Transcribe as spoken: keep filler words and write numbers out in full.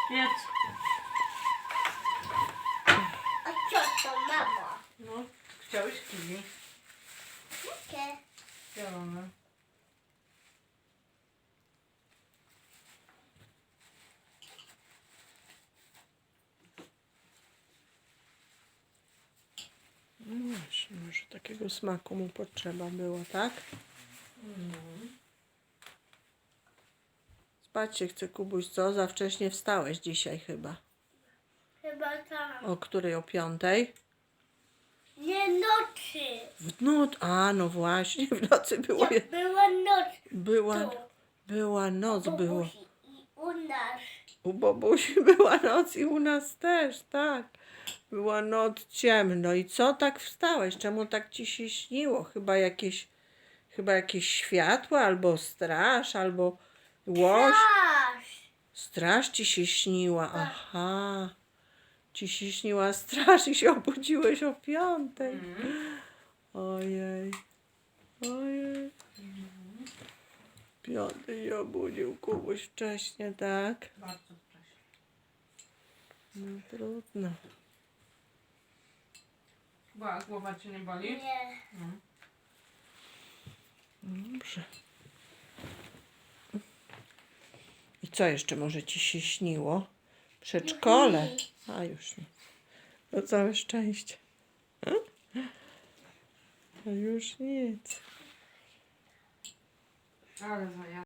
Jedz. A co to, mamo? No, chciałeś kiwi? Jakie? Zielone. No właśnie, może takiego smaku mu potrzeba było, tak? Spać się chce, Kubuś, co? Za wcześnie wstałeś dzisiaj chyba. Chyba tak. O której? O piątej? Nie nocy. W noc. A, no właśnie, w nocy było. Jak była noc Była, tu. była noc, u było. Buzi i u nas. U Bobusi była noc i u nas też, tak. Była noc, ciemno. I co tak wstałeś? Czemu tak ci się śniło? Chyba jakieś, chyba jakieś światło, albo straż, albo łoś. Aż. Straż ci się śniła. Aha. Ci się śniła straż i się obudziłeś o piątej. Ojej. Ojej. Piątej się obudził Kubuś wcześnie, tak? Bardzo wcześnie. No trudno. Była, głowa cię nie boli? Nie. No. Dobrze. I co jeszcze może ci się śniło? Przedszkole. A już nie. To całe szczęście. A już nic. Ale zaja.